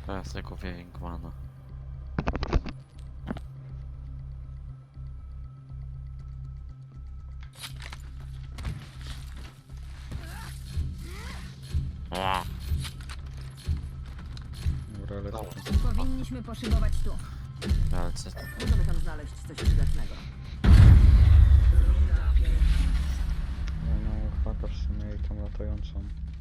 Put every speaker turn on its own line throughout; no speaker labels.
Teraz ja kupię Winkmana.
Dobra, lecę.
Powinniśmy poszybować tu.
Ale co to?
Możemy tam znaleźć coś przydatnego.
No, chwaka w sumie i tą latającą.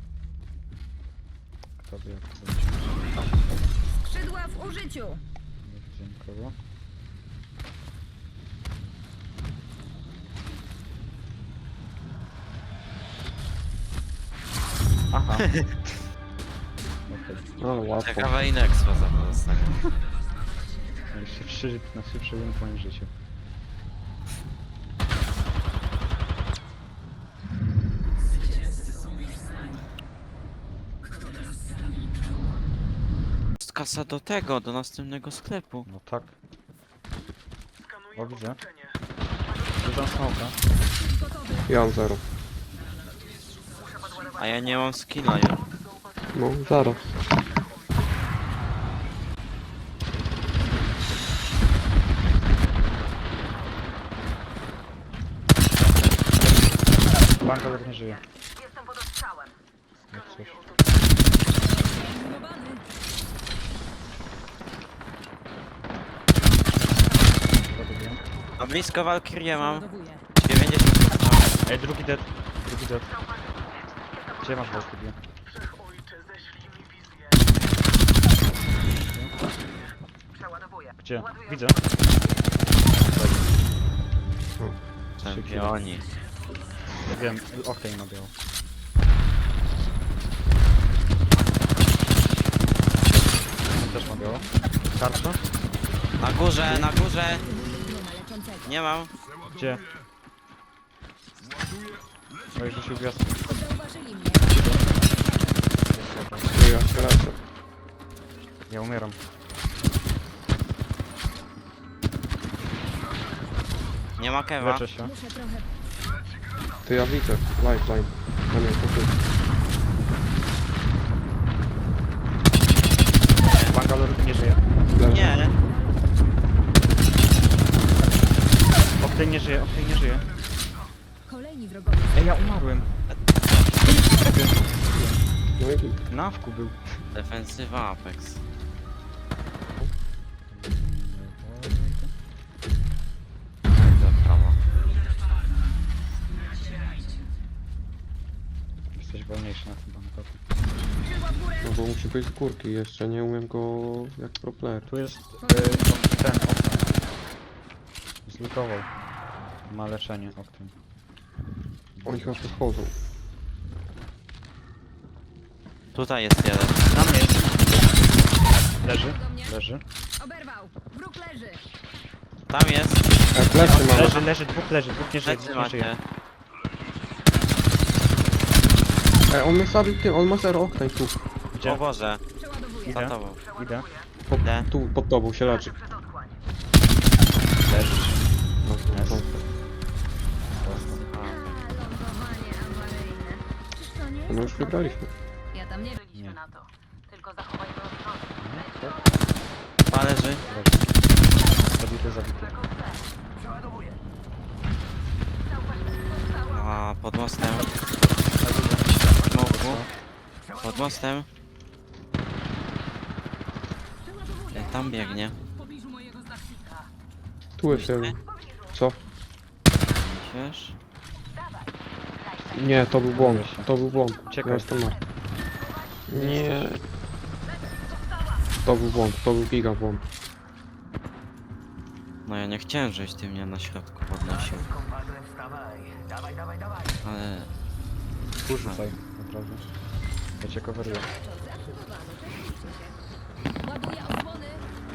Kto wie jak to będzie.
Skrzydła w użyciu!
Nie widzę nikogo. Aha. Okej.
Ale łatwo.
Ciekawe Inexpa za to dostanie.
Najszybszy win w moim życiu.
Jest kasa do tego, do następnego sklepu.
No tak. O, widzę. Dużą smoka.
Ja mam 0.
A ja nie mam skilla już.
No, zaraz.
Bankower nie żyje.
Jestem pod ostrzałem.
Jak coś. Zabiłem.
A blisko Valkyrie mam.
Ładowuję.
90%.
Ej, drugi dead. Drugi dead. Gdzie masz Valkyrie?
Przeładowuję.
Gdzie? Widzę.
Czempioni.
Ja wiem, okej, na biało. On też ma biało. Tarcza?
Na górze, na górze.
Nie ma leczącego.
Nie mam.
Gdzie? No i rzucił gwiazd.
Zauważyli mnie.
No ja się lecę.
Ja umieram.
Nie ma kewa.
Leczę się.
Muszę trochę...
To ja widzę. Lifeline. No nie, to ty.
Bangalore nie żyje.
Leży.
Nie.
Octane nie żyje, Octane nie żyje.
Kolejni wrogowie.
Ej, ja umarłem.
No i git.
Na wku był.
Defensywa Apex. Do prawa.
Jesteś wolniejszy na tym bankoku.
Skrzydła w górę.
No bo musi być z górki jeszcze, nie umiem go jak pro player.
Tu jest ten Octane. Zlutował. Ma leczenie Octane.
Oni chyba podchodzą.
Tutaj jest jeden.
Na mnie jest. Leży,
Do mnie.
leży.
Oberwał. Wróg leży.
Tam jest.
Plecy mamy.
Leży, dwóch nie żyje,
Plecy
dwóch nie żyje.
macie.
On mnie zabił tym, on ma 0 oktań tu.
O
Gdzie?
Boże.
Przeładowuję.
Za tobą.
Idę.
Idę.
Tu, pod tobą się leczy.
Przed otchłań.
Leżysz.
No,
Jest.
no.
Lądowanie awaryjne. Czyż to nie
No
jest
już wygraliśmy.
Ja tam nie
Nie.
byliśmy na to. Tylko zachowajmy ostrożność.
Leży.
Zabity.
A pod mostem. Smoku. Pod mostem. Tam biegnie.
Tu jest jeden. Co?
Myślisz?
Nie, to był błąd. To był błąd.
Uciekaj.
Ja jestem na. Nie. To był błąd, to był giga błąd.
No ja nie chciałem, żebyś ty mnie na środku podnosił. Ale...
Porzucaj, naprawdę. Ja cię coveruję.
Ładuję osłony.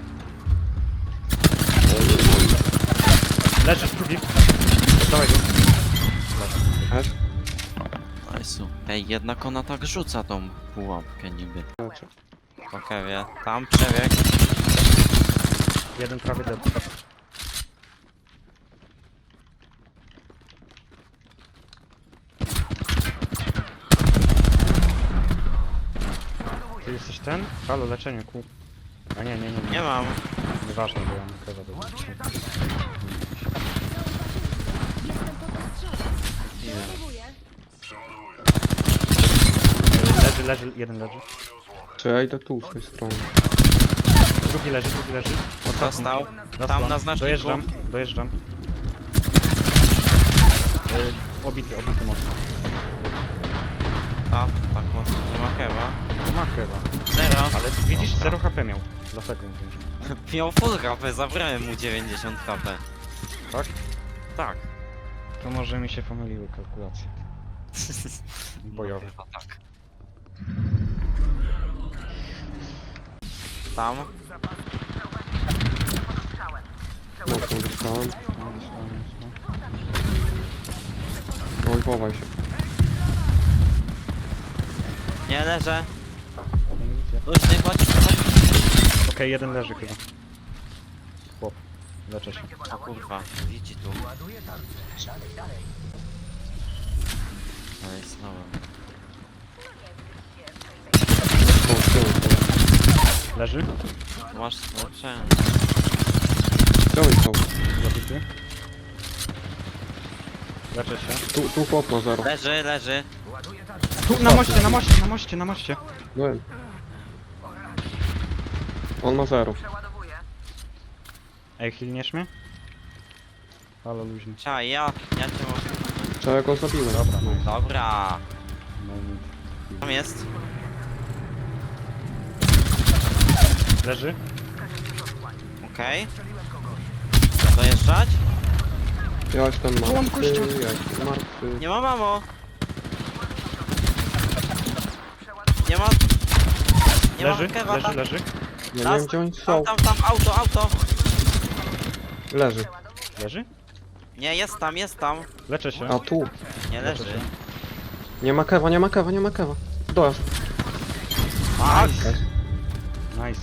Leżysz drugi. Dawaj go.
Leży.
Nice. Ej, jednak ona tak rzuca tą pułapkę niby.
Leczy.
Okej, wie. Tam przebieg.
Jeden prawie dead. Ty jesteś ten? Halo, leczenie, ku. A nie.
Nie mam.
Nieważne, bo ja mam kawa do
Jestem pod ostrzałem.
Leży, jeden leży.
Czy ja idę tu z tej strony?
Drugi leży.
Dostał.
Dostał.
Tam na znaczniku.
Dojeżdżam. Obity mocno.
A, tak mocno nie ma chyba.
To ma chyba.
Zero.
Ale widzisz, 0 HP miał. Dlatego mówię.
Miał full HP, zabrałem mu 90 HP.
Tak?
Tak.
To może mi się pomyliły kalkulacje. Bojowe.
No, tak. Tam.
Mocno dostałem.
No.
Oj, chowaj się.
Nie leżę.
Nie widzę.
Luźny, chodź.
Okej, jeden leży chyba. Chłop. Leczę się.
O kurwa, widzi tu. Ale znowu.
O, z tyłu.
Leży.
Masz leczenie.
Gdzie oni są?
Zabity. Leczę się.
Tu chłop ma 0.
Leży.
Tu, na moście.
Byłem. On ma 0.
Ej, hilniesz mnie? Halo, luźny.
Czekaj, ja cię mogę.
Czy ja go zabiłem?
Dobra, no.
Dobra.
No nic.
Tam jest.
Leży?
Okej. Dojeżdżać?
Ja jestem
Tu on
martwy,
kościół.
ja jestem martwy.
Nie ma mamo. Nie ma... Nie
Leży?
ma kewa tam.
Leży?
Ja nie wiem gdzie oni są.
Tam, auto.
Leży.
Leży?
Nie, jest tam.
Leczę się.
A tu.
Nie leży.
Nie ma kewa. Dojazd.
Tak.
Nice.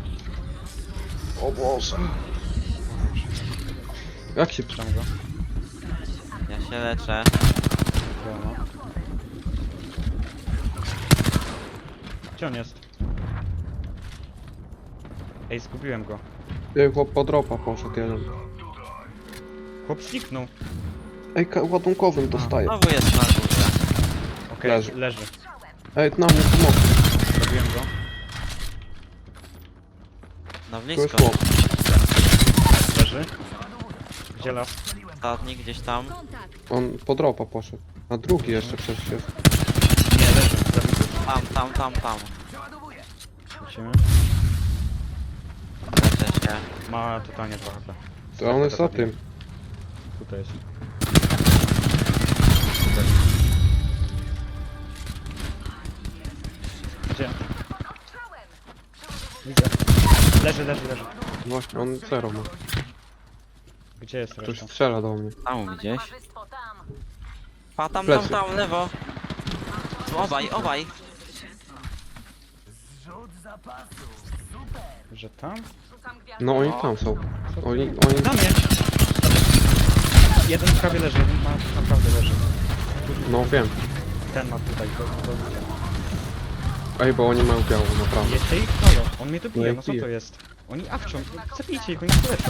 O Boże. Jak się
Trzymam go.
Ja się leczę.
Wiadomo. Gdzie on jest? Ej, zgubiłem go.
Ej, chłop po dropa poszedł jeden.
Chłop zniknął.
Ej, ładunkowym dostaję.
Znowu jest na górze.
Okej,
Leży.
leży.
Ej, na mnie pomocy.
Zabiłem go.
Na
Tu jest
blisko.
chłop.
Leży. Gdzie las?
Ostatni gdzieś tam.
Kontakt.
On po dropa poszedł. A drugi jeszcze przecież jest.
Nie, leży. Zabity.
Tam.
Lecimy.
Leczę się.
Ma totalnie 2 HP.
To on jest za tym.
Tutaj jest. Gdzie? Widzę. Leży.
Właśnie, on 0 ma.
Gdzie jest
Ktoś
reszta?
strzela do mnie.
Tam gdzieś. Pa, tam,
Plecy.
lewo. Obaj.
Że tam?
No oni tam są. Oni...
Na mnie! Jeden prawie leży, jeden ma naprawdę leży.
No wiem.
Ten ma tutaj, to widzę.
Ej, bo oni mają białą, naprawdę.
Jeszcze ich halo, on mnie tu bije,
Nie
no co
bije.
to jest? Oni awczą, zabijcie ich, oni się leczą.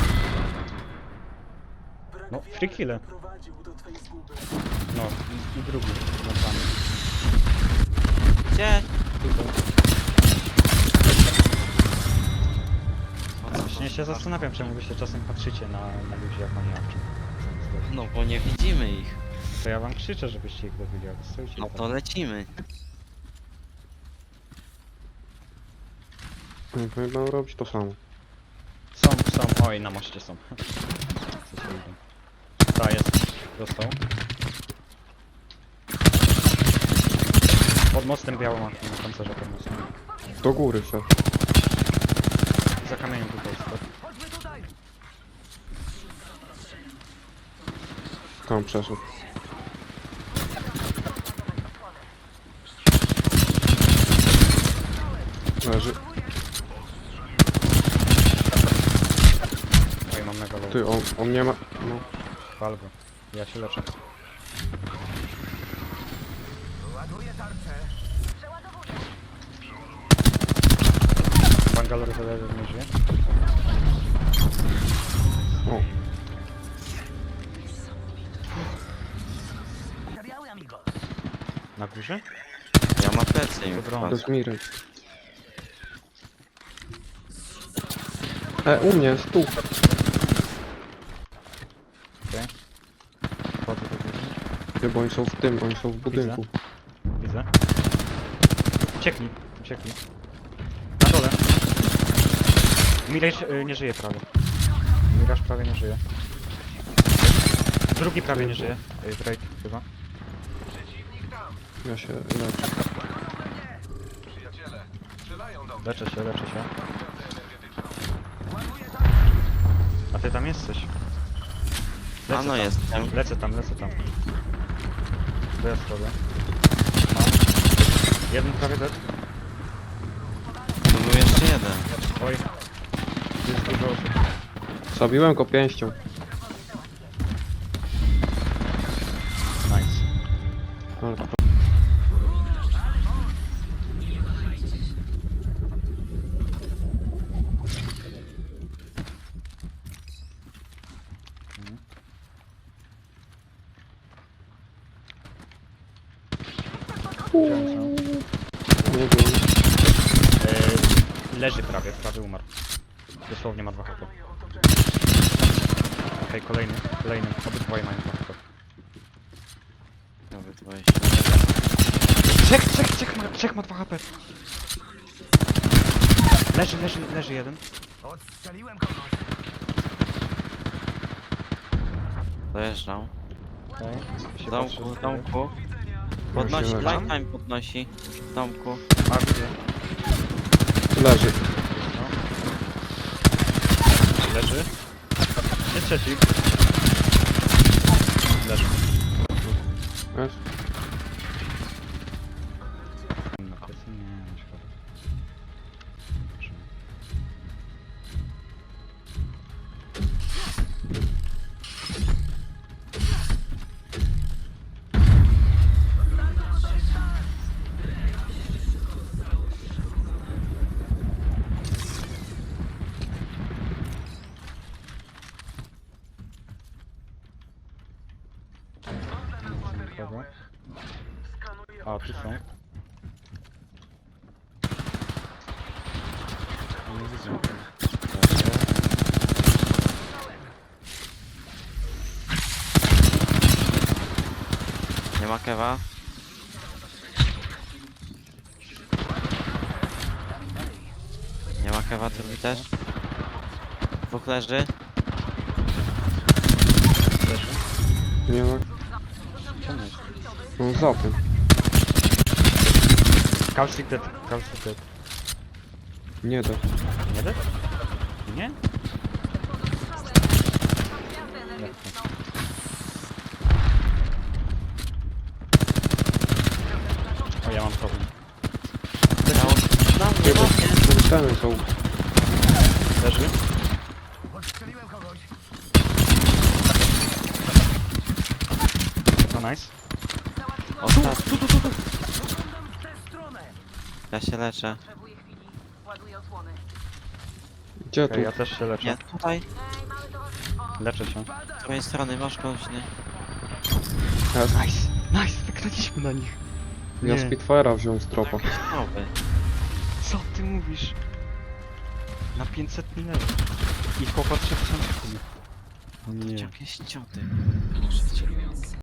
No, free kille. No, i drugi, nad wami.
Gdzie?
Tutaj.
O co
Właśnie się zastanawiam, czemu wy się czasem patrzycie na ludzi, jak oni awczą.
No bo nie widzimy ich.
To ja wam krzyczę, żebyście ich dowiedzieli, a wy stoicie
No
tam.
to lecimy.
Oni będą robić to samo.
Są, oj, na moście są. Co się idą. Ta jest, dostał. Pod mostem białą ma na pancerze pod mostem.
Do góry się.
Za kamieniem tutaj stoi.
Tam przeszedł. Leży.
Oj, mam mega low.
Ty, on nie ma... No.
Pal go. Ja się leczę. Galor zależy, nie żyje.
O,
Na górze?
Ja mam plecy im
Dobra.
to
wchodzę.
jest Miry. U mnie, stół.
Okej. Wchodzę do góry.
Nie, bo oni są w tym, oni są w budynku.
Widzę. Uciekli, uciekli. Na dole. Miraż nie żyje prawie. Miraż prawie nie żyje. Drugi prawie nie żyje. Drake chyba.
Ja się leczę.
Leczę się, leczę się. A ty tam jesteś?
A no
tam.
jestem.
Lecę tam. To ja zrobię. Mam. Jeden prawie dead.
Tu był jeszcze jeden.
Oj. Tu jest dużo osób.
Zabiłem go pięścią.
Nice.
Ale to... Nie wiem.
Leży prawie umarł. Dosłownie ma 2 HP. Okej, kolejny. Obydwoje mają 2 HP.
Nawet 20.
Trzech ma 2 HP. Leży jeden.
Dojeżdżał.
Okej.
W
Się
domku,
patrzy
w
do
domku.
Ja
Podnosi,
się leczę.
lifetime podnosi. W domku.
A, widzę.
Leży.
No. Leży. Jest trzeci. Leży.
Wiesz?
Na plecy nie, szkoda. Nikogo. A, tu są. Nie widzę.
Nie ma kewa. Nie ma kewa, drugi też. Dwóch leży.
Leży.
Nie ma.
Czemu jest?
No za tym.
Calcic dead.
Nie da.
Nie dead? Nie? Jak to? O, ja mam problem.
Dało na mnie, na mnie.
Ceny są.
Leży? No nice.
Ostatni. Ja się leczę.
Gdzie tu?
Okej, ja też się leczę.
Nie, tutaj.
Leczę się.
Z twojej strony masz koźny.
Nice, wygraliśmy na nich.
Ja
Nie.
Spitfire'a wziąłem z tropa.
Nowy.
Co ty mówisz? Na 500 level. I chłopak 3000. O nie.
Jakieś cioty. Muszę cię